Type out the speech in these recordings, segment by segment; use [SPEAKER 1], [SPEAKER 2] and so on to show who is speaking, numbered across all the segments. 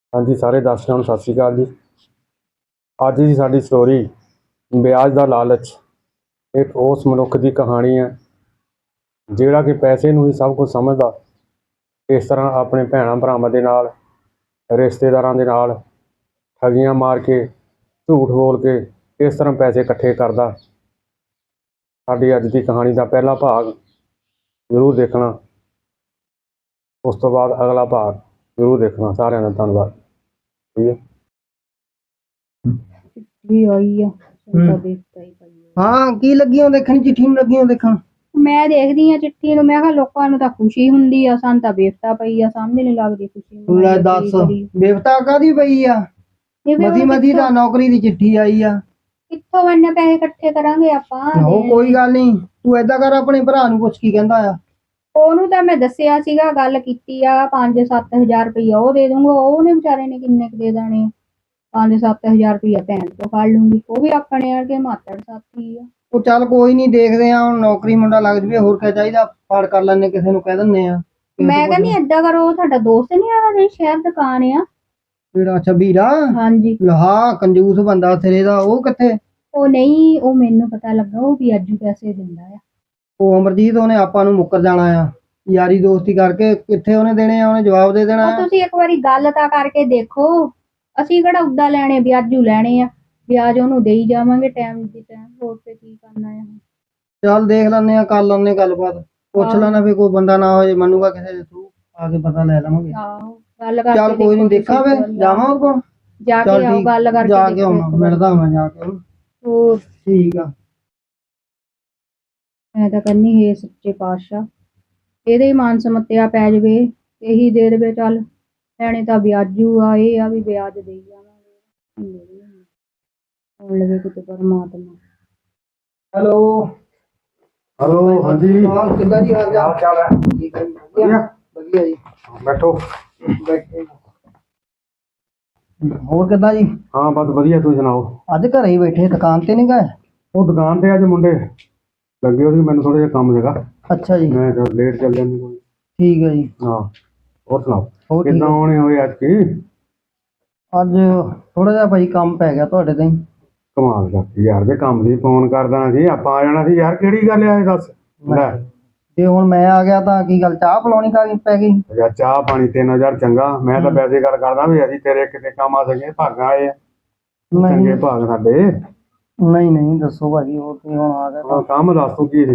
[SPEAKER 1] ਹਾਂਜੀ ਸਾਰੇ ਦਰਸ਼ਕਾਂ ਨੂੰ ਸਤਿ ਸ਼੍ਰੀ ਅਕਾਲ ਜੀ। ਅੱਜ ਦੀ ਸਾਡੀ ਸਟੋਰੀ ਵਿਆਜ ਦਾ ਲਾਲਚ। ਇੱਕ ਉਸ ਮਨੁੱਖ ਦੀ ਕਹਾਣੀ ਹੈ ਜਿਹੜਾ ਕਿ ਪੈਸੇ ਨੂੰ ਹੀ ਸਭ ਕੁਝ ਸਮਝਦਾ। ਇਸ ਤਰ੍ਹਾਂ ਆਪਣੇ ਭੈਣਾਂ ਭਰਾਵਾਂ ਦੇ ਨਾਲ, ਰਿਸ਼ਤੇਦਾਰਾਂ ਦੇ ਨਾਲ ਠੱਗੀਆਂ ਮਾਰ ਕੇ, ਝੂਠ ਬੋਲ ਕੇ ਇਸ ਤਰ੍ਹਾਂ ਪੈਸੇ ਇਕੱਠੇ ਕਰਦਾ। ਸਾਡੀ ਅੱਜ ਦੀ ਕਹਾਣੀ ਦਾ ਪਹਿਲਾ ਭਾਗ ਜ਼ਰੂਰ ਦੇਖਣਾ, ਉਸ ਤੋਂ ਬਾਅਦ ਅਗਲਾ ਭਾਗ ਜ਼ਰੂਰ ਦੇਖਣਾ। ਸਾਰਿਆਂ ਦਾ ਧੰਨਵਾਦ। ਠੀਕ ਹੈ।
[SPEAKER 2] ਵੀ ਆਈ ਆ ਤਾਂ ਦੇਖਦਾ ਹੀ ਪਈ ਆ।
[SPEAKER 3] ਹਾਂ ਕੀ ਲੱਗੀ ਹੋ ਦੇਖਣ, ਚਿੱਠੀ ਨੂੰ ਲੱਗੀ ਹੋ ਦੇਖਣ।
[SPEAKER 2] ਮੈਂ ਦੇਖਦੀ ਆ ਚਿੱਠੀ ਨੂੰ, ਮੈਂ ਕਿਹਾ ਲੋਕਾਂ ਨੂੰ ਤਾਂ ਖੁਸ਼ੀ ਹੁੰਦੀ ਆ, ਸਾਨੂੰ ਤਾਂ ਬੇਫਤਾ ਪਈ ਆ, ਸਮਝ ਨਹੀਂ ਲੱਗਦੀ ਖੁਸ਼ੀ
[SPEAKER 3] ਲੈ ਦੱਸ ਬੇਵਤਾ ਕਾਦੀ ਪਈ ਆ। ਮਦੀ ਮਦੀ ਦਾ ਨੌਕਰੀ ਦੀ ਚਿੱਠੀ ਆਈ ਆ।
[SPEAKER 2] ਕਿੱਥੋਂ ਇੰਨੇ ਪੈਸੇ ਇਕੱਠੇ ਕਰਾਂਗੇ ਆਪਾਂ।
[SPEAKER 3] ਉਹ ਕੋਈ ਗੱਲ ਨਹੀਂ, ਤੂੰ ਏਦਾਂ ਕਰ ਆਪਣੇ ਭਰਾ ਨੂੰ ਪੁੱਛ ਕੀ ਕਹਿੰਦਾ ਆ।
[SPEAKER 2] ਉਹਨੂੰ ਤਾਂ ਮੈਂ ਦੱਸਿਆ ਸੀਗਾ, ਗੱਲ ਕੀਤੀ ਆ, 5-7 ਹਜ਼ਾਰ ਰੁਪਈਆ ਉਹ ਦੇ ਦੂੰਗਾ। ਉਹਨੇ ਵਿਚਾਰੇ ਨੇ ਕਿੰਨੇ ਕੁ ਦੇ ਦੇਣੇ ਆ? 5-7 ਹਜ਼ਾਰ ਰੁਪਈਆ ਭੈਣ ਤੋਂ ਫੜ ਲੂੰਗੀ। ਉਹ ਵੀ ਆਪਣੇ ਵਰਗੇ ਮਾਤੜ ਸਾਥੀ ਆ।
[SPEAKER 3] ਉਹ ਚੱਲ ਕੋਈ ਨਹੀਂ, ਦੇਖਦੇ ਆ ਹੁਣ ਨੌਕਰੀ ਮੁੰਡਾ ਲੱਗ ਜਵੇ, ਹੋਰ ਕਿਆ ਚਾਹੀਦਾ। ਫੜ ਕਰ ਲੈਣੇ, ਕਿਸੇ ਨੂੰ ਕਹਿ ਦਿੰਦੇ ਆ।
[SPEAKER 2] ਮੈਂ ਕਹਿੰਦੀ ਏਦਾਂ ਕਰੋ, ਉਹ ਤੁਹਾਡਾ ਦੋਸਤ ਨਹੀਂ ਆ ਜਿਹੜੀ ਸ਼ਹਿਰ ਦੁਕਾਨ ਆ?
[SPEAKER 3] ਜਿਹੜਾ ਅੱਛਾ ਵੀਰਾ,
[SPEAKER 2] ਹਾਂਜੀ
[SPEAKER 3] ਲਹਾ ਕੰਜੂਸ ਬੰਦਾ ਸਿਰੇ ਦਾ, ਉਹ ਕਿੱਥੇ?
[SPEAKER 2] ਉਹ ਨਹੀਂ, ਉਹ ਮੈਨੂੰ ਪਤਾ ਲੱਗਾ, ਉਹ ਵਿਆਜੂ ਪੈਸੇ ਦਿੰਦਾ ਆ।
[SPEAKER 3] ਉਹ ਅਮਰਜੀਤ, ਉਹਨੇ ਆਪਾਂ ਨੂੰ ਮੁੱਕਰ ਜਾਣਾ ਆ ਯਾਰੀ ਦੋਸਤੀ ਕਰਕੇ। ਕਿੱਥੇ ਉਹਨੇ ਦੇਣੇ ਆ? ਉਹਨੇ ਜਵਾਬ ਦੇ ਦੇਣਾ ਆ।
[SPEAKER 2] ਤੁਸੀਂ ਇੱਕ ਵਾਰੀ ਗੱਲ ਤਾਂ ਕਰਕੇ ਦੇਖੋ। ਅਸੀਂ ਕਿਹੜਾ ਉੱਦਾਂ ਲੈਣੇ, ਵਿਆਜੂ ਲੈਣੇ ਆ। ਵਿਆਜ ਉਹਨੂੰ ਦੇਈ ਜਾਵਾਂਗੇ ਟਾਈਮ ਦੀ ਟਾਈਮ। ਹੋਰ ਤੇ ਕੀ ਕਰਨਾ ਆ।
[SPEAKER 3] ਚੱਲ ਦੇਖ ਲੈਂਦੇ ਆ, ਕਰ ਲੈਂਦੇ ਗੱਲਬਾਤ। ਪੁੱਛ ਲੈਣਾ ਵੀ ਕੋਈ ਬੰਦਾ ਨਾ ਹੋ ਜੇ ਮੰਨੂਗਾ ਕਿਸੇ ਦੇ ਥਰੂ, ਆ ਕੇ ਪਤਾ ਲੈ ਲਵਾਂਗੇ।
[SPEAKER 2] ਆਹੋ ਗੱਲ ਕਰਕੇ
[SPEAKER 3] ਚੱਲ ਕੋਈ ਨਹੀਂ, ਦੇਖਾਂ ਵੇ ਜਾਵਾਂ ਉਹ ਕੋਲ।
[SPEAKER 2] ਜਾ ਕੇ ਆਓ, ਗੱਲ ਕਰਕੇ
[SPEAKER 3] ਜਾ ਕੇ ਆਉਣਾ, ਮਿਲਦਾ ਮੈਂ ਜਾ ਕੇ ਉਹਨੂੰ।
[SPEAKER 2] ਹੋਰ
[SPEAKER 3] ਠੀਕ ਆ।
[SPEAKER 2] ਮੈਂ ਤਾਂ ਕਹਿੰਨੀ ਹੈ ਸੱਚੇ ਪਾਤਸ਼ਾਹ ਇਹਦੇ ਹੀ ਮਾਨ ਸਮੱਤਿਆ ਪੈ ਜਾਵੇ, ਇਹੀ ਦੇ ਦੇਵੇ। ਚੱਲ ਲੈਣੇ ਤਾਂ ਵਿਆਜੂ ਆ, ਇਹ ਆ ਵੀ ਵਿਆਜ ਦੇਈ ਜਾਵਾਂਗੇ। ਹੁਣ ਲਵੇ ਕਿਤੇ ਪਰਮਾਤਮਾ।
[SPEAKER 3] ਹੈਲੋ
[SPEAKER 1] ਹੈਲੋ, ਹਾਂਜੀ
[SPEAKER 3] ਹਾਂ ਕਿੱਦਾਂ ਜੀ ਹਾਲ ਚਾਲ?
[SPEAKER 1] ਚਾਲ ਹੈ?
[SPEAKER 3] ਠੀਕ ਹੈ ਜੀ, ਵਧੀਆ ਵਧੀਆ ਜੀ।
[SPEAKER 1] ਬੈਠੋ।
[SPEAKER 3] ਬੈਠੇ। ਹੋਰ ਕਿੱਦਾਂ ਜੀ?
[SPEAKER 1] ਹਾਂ ਬਸ ਵਧੀਆ, ਤੁਸੀਂ ਸੁਣਾਓ?
[SPEAKER 3] ਅੱਜ ਘਰੇ ਹੀ ਬੈਠੇ, ਦੁਕਾਨ ਤੇ ਨਹੀਂ ਗਏ?
[SPEAKER 1] ਉਹ ਦੁਕਾਨ ਤੇ ਅੱਜ ਮੁੰਡੇ ਲੱਗੇ ਹੋਏ ਸੀ, ਮੈਨੂੰ ਥੋੜਾ ਜਿਹਾ ਕੰਮ ਸੀਗਾ,
[SPEAKER 3] ਅੱਛਾ ਜੀ,
[SPEAKER 1] ਮੈਂ ਤਾਂ ਲੇਟ ਚੱਲ ਜਾਂਦੀ ਕੋਈ।
[SPEAKER 3] ਠੀਕ ਹੈ ਜੀ।
[SPEAKER 1] ਹਾਂ ਹੋਰ ਸੁਣਾਓ,
[SPEAKER 3] ਹੋਰ ਠੀਕ
[SPEAKER 1] ਕਿੱਦਾਂ
[SPEAKER 3] ਹੈ।
[SPEAKER 1] ਆਉਣੇ ਹੋਏ ਅੱਜ ਕੀ?
[SPEAKER 3] ਅੱਜ ਥੋੜਾ ਜਿਹਾ ਭਾਈ ਕੰਮ ਪੈ ਗਿਆ ਤੁਹਾਡੇ ਤੇ।
[SPEAKER 1] ਕਮਾਲ ਕਰਤੀ ਯਾਰ, ਦੇ ਕੰਮ ਦੀ ਫੋਨ ਕਰਦਾ ਸੀ, ਆਪਾਂ ਆ ਜਾਣਾ ਸੀ ਯਾਰ। ਕਿਹੜੀ ਗੱਲ ਆ ਇਹ ਦੱਸ। ਲੈ
[SPEAKER 3] ਜੇ ਹੁਣ ਮੈਂ ਆ ਗਿਆ ਤਾਂ ਕੀ ਗੱਲ, ਚਾਹ ਪਿਲਾਉਣੀ ਪੈ ਗਈ?
[SPEAKER 1] ਯਾਰ ਚਾਹ ਪਾਣੀ 3000 ਚੰਗਾ, ਮੈਂ ਤਾਂ ਵੈਸੇ ਗੱਲ ਕਰਦਾ ਵੀ ਅਸੀਂ ਤੇਰੇ ਕਿਤੇ ਕੰਮ ਆ ਸਕੇ, ਭਾਗਾਂ ਆਏ ਆ ਚੰਗੇ ਭਾਗ ਸਾਡੇ।
[SPEAKER 3] ਨਹੀਂ ਨਹੀਂ ਦੱਸੋ ਭਾਜੀ, ਹੋਰ ਕੀ ਹੁਣ ਆ ਗਿਆ
[SPEAKER 1] ਹਾਂ, ਕੰਮ ਦੱਸ ਤੂੰ ਕੀ ਸੀ?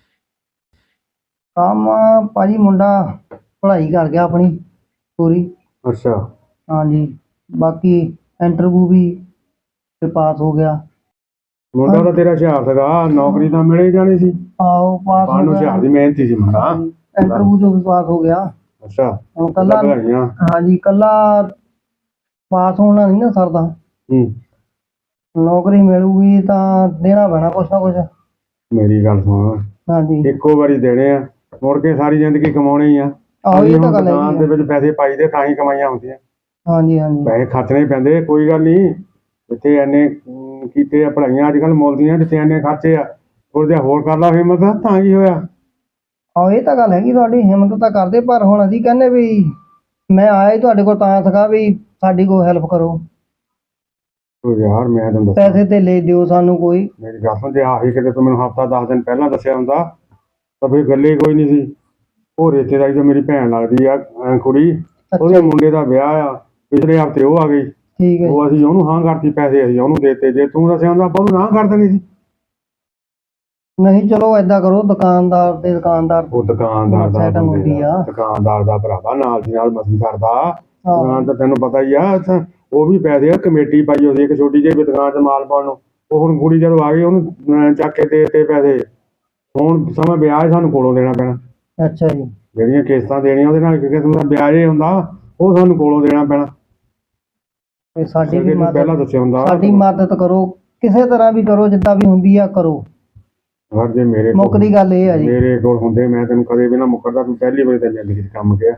[SPEAKER 3] ਕੰਮ ਭਾਜੀ ਮੁੰਡਾ ਪੜ੍ਹਾਈ ਕਰ ਗਿਆ ਆਪਣੀ ਪੂਰੀ।
[SPEAKER 1] ਅੱਛਾ
[SPEAKER 3] ਹਾਂਜੀ, ਬਾਕੀ ਇੰਟਰਵਿਊ ਵੀ ਤੇ ਪਾਸ ਹੋ ਗਿਆ।
[SPEAKER 1] ਮੁੰਡਾ ਤਾਂ ਤੇਰਾ ਹੁਸ਼ਿਆਰ ਸੀਗਾ, ਨੌਕਰੀ ਤਾਂ ਮਿਲ ਹੀ ਜਾਣੀ ਸੀ।
[SPEAKER 3] ਆਹੋ ਪਾਸ ਹੋ
[SPEAKER 1] ਬਾਹਰ ਨੂੰ
[SPEAKER 3] ਗਿਆ,
[SPEAKER 1] ਹੁਸ਼ਿਆਰ ਦੀ ਮਿਹਨਤੀ ਸੀ ਮੁੰਡਾ।
[SPEAKER 3] ਇੰਟਰਵਿਊ ਚੋਂ ਵੀ ਪਾਸ ਹੋ ਗਿਆ।
[SPEAKER 1] ਅੱਛਾ
[SPEAKER 3] ਹੁਣ ਕੱਲਾ,
[SPEAKER 1] ਵਧਾਈਆਂ।
[SPEAKER 3] ਹਾਂਜੀ ਕੱਲਾ ਪਾਸ ਹੋਣਾ ਨਹੀਂ ਨਾ ਸਰਦਾ।
[SPEAKER 1] ਹੂੰ,
[SPEAKER 3] ਨੌਕਰੀ ਮਿਲੂਗੀ ਤਾਂ ਦੇਣਾ ਪੈਣਾ ਕੁਛ ਨਾ ਕੁਛ।
[SPEAKER 1] ਮੇਰੀ ਗੱਲ ਸੁਣ,
[SPEAKER 3] ਹਾਂਜੀ
[SPEAKER 1] ਇੱਕੋ ਵਾਰੀ ਦੇਣੇ ਆ, ਮੁੜ ਕੇ ਸਾਰੀ ਜ਼ਿੰਦਗੀ ਕਮਾਉਣੇ ਹੀ ਆ।
[SPEAKER 3] ਆਹੋ ਇਹ ਤਾਂ
[SPEAKER 1] ਹੁਣ
[SPEAKER 3] ਗੱਲ
[SPEAKER 1] ਦੁਕਾਨ ਦੇ
[SPEAKER 3] ਹੈਗੀ ਆ।
[SPEAKER 1] ਵਿੱਚ ਪੈਸੇ ਪਾਈਦੇ ਤਾਂ ਹੀ ਕਮਾਈਆਂ ਹੁੰਦੀਆਂ।
[SPEAKER 3] ਹਾਂਜੀ ਹਾਂਜੀ
[SPEAKER 1] ਪੈਸੇ ਖਰਚਣੇ ਹੀ ਪੈਂਦੇ, ਕੋਈ ਗੱਲ ਨਹੀਂ। ਜਿੱਥੇ ਐਨੇ ਕੀਤੇ ਆ ਪੜ੍ਹਾਈਆਂ ਅੱਜ ਕੱਲ੍ਹ ਮੁੱਲ ਦੀਆਂ, ਜਿੱਥੇ ਐਨੇ ਖਰਚੇ ਆ ਥੋੜ੍ਹਾ ਜਿਹਾ ਹੋਰ ਕਰ ਲਾ ਹਿੰਮਤ, ਤਾਂ ਕੀ ਹੋਇਆ।
[SPEAKER 3] ਆਹੋ ਇਹ ਤਾਂ ਗੱਲ ਹੈਗੀ ਤੁਹਾਡੀ, ਹਿੰਮਤ ਤਾਂ ਕਰਦੇ, ਪਰ ਹੁਣ ਅਸੀਂ ਕਹਿੰਦੇ ਵੀ ਮੈਂ ਆਇਆ ਹੀ ਤੁਹਾਡੇ ਕੋਲ ਤਾਂ ਸੀਗਾ ਵੀ ਸਾਡੀ ਕੋਈ ਹੈਲਪ ਕਰੋ,
[SPEAKER 1] ਉਹ ਯਾਰ ਮੈਂ ਤੈਨੂੰ ਦੱਸਾਂ,
[SPEAKER 3] ਪੈਸੇ ਤੇ ਲੈ ਦਿਓ ਸਾਨੂੰ ਕੋਈ।
[SPEAKER 1] ਮੇਰੀ ਗੱਲ ਸੁਣ, ਜੇ ਆਹੀ ਕਿਤੇ ਤੂੰ ਮੈਨੂੰ ਹਫ਼ਤਾ 10 ਦਿਨ ਪਹਿਲਾਂ ਦੱਸਿਆ ਹੁੰਦਾ ਤਾਂ ਫਿਰ ਗੱਲ ਹੀ ਕੋਈ ਨਹੀਂ ਸੀ। ਉਹ ਰਿਸ਼ਤੇਦਾਰੀ ਤੋਂ ਮੇਰੀ ਭੈਣ ਲੱਗਦੀ ਆ ਕੁੜੀ, ਉਹਦੇ ਮੁੰਡੇ ਦਾ ਵਿਆਹ ਆ, ਪਿਛਲੇ ਹਫ਼ਤੇ ਉਹ ਆ ਗਈ।
[SPEAKER 3] ਠੀਕ ਹੈ
[SPEAKER 1] ਉਹ ਅਸੀਂ ਉਹਨੂੰ ਹਾਂ ਕਰਤੀ, ਪੈਸੇ ਅਸੀਂ ਉਹਨੂੰ ਦੇਤੇ। ਜੇ ਤੂੰ ਦੱਸਿਆ ਹੁੰਦਾ ਆਪਾਂ ਉਹਨੂੰ ਨਾ ਕਰ ਦੇਣੀ ਸੀ।
[SPEAKER 3] ਨਹੀਂ ਚਲੋ ਏਦਾਂ ਕਰੋ, ਦੁਕਾਨਦਾਰ ਦੇ ਦੁਕਾਨਦਾਰ
[SPEAKER 1] ਉਹ ਦੁਕਾਨਦਾਰ ਦਾ
[SPEAKER 3] ਸੈਟਿੰਗ ਹੁੰਦੀ ਆ।
[SPEAKER 1] ਦੁਕਾਨਦਾਰ ਦਾ ਭਰਾਵਾ ਨਾਲ ਦੀ ਨਾਲ ਮਸੀ ਕਰਦਾ।
[SPEAKER 3] ਹਾਂ।
[SPEAKER 1] ਦੁਕਾਨ ਤਾਂ ਤੈਨੂੰ ਪਤਾ ਹੀ ਆ, ਉਹ ਵੀ ਪੈਸੇ ਆ, ਕਮੇਟੀ ਪਾਈ ਹੋਈ ਇੱਕ ਛੋਟੀ ਜਿਹੀ ਦੁਕਾਨ 'ਚ ਮਾਲ ਪਾਉਣ ਨੂੰ। ਉਹ ਹੁਣ ਕੁੜੀ ਜਦੋਂ ਆ ਗਈ ਉਹਨੂੰ ਚੱਕ ਕੇ ਦੇ ਤੇ ਪੈਸੇ। ਹੁਣ ਸਮਾਂ ਵਿਆਜ ਸਾਨੂੰ ਕੋਲੋਂ ਦੇਣਾ ਪੈਣਾ।
[SPEAKER 3] ਅੱਛਾ ਜੀ,
[SPEAKER 1] ਜਿਹੜੀਆਂ ਕਿਸ਼ਤਾਂ ਦੇਣੀਆਂ ਉਹਦੇ ਨਾਲ ਇੱਕ ਕਿਸਮ ਦਾ ਵਿਆਜ ਹੀ ਹੁੰਦਾ, ਉਹ ਸਾਨੂੰ ਕੋਲੋਂ ਦੇਣਾ ਪੈਣਾ।
[SPEAKER 3] ਤੇ ਸਾਡੀ ਵੀ
[SPEAKER 1] ਪਹਿਲਾਂ ਦੱਸਿਆ ਹੁੰਦਾ।
[SPEAKER 3] ਸਾਡੀ ਮਦਦ ਕਰੋ, ਕਿਸੇ ਤਰ੍ਹਾਂ ਵੀ ਕਰੋ, ਜਿੱਦਾਂ ਵੀ ਹੁੰਦੀ ਆ ਕਰੋ।
[SPEAKER 1] ਯਾਰ ਜੇ ਮੇਰੇ
[SPEAKER 3] ਮੁੱਕਦੀ ਗੱਲ ਇਹ ਆ ਜੀ,
[SPEAKER 1] ਮੇਰੇ ਕੋਲ ਹੁੰਦੇ ਮੈਂ ਤੈਨੂੰ ਕਦੇ ਵੀ ਨਾ ਮੁੱਕਰਦਾ। ਤੂੰ ਪਹਿਲੀ ਵਾਰੀ ਤਾਂ ਜ਼ਿੰਦਗੀ 'ਚ ਕੰਮ ਗਿਆ।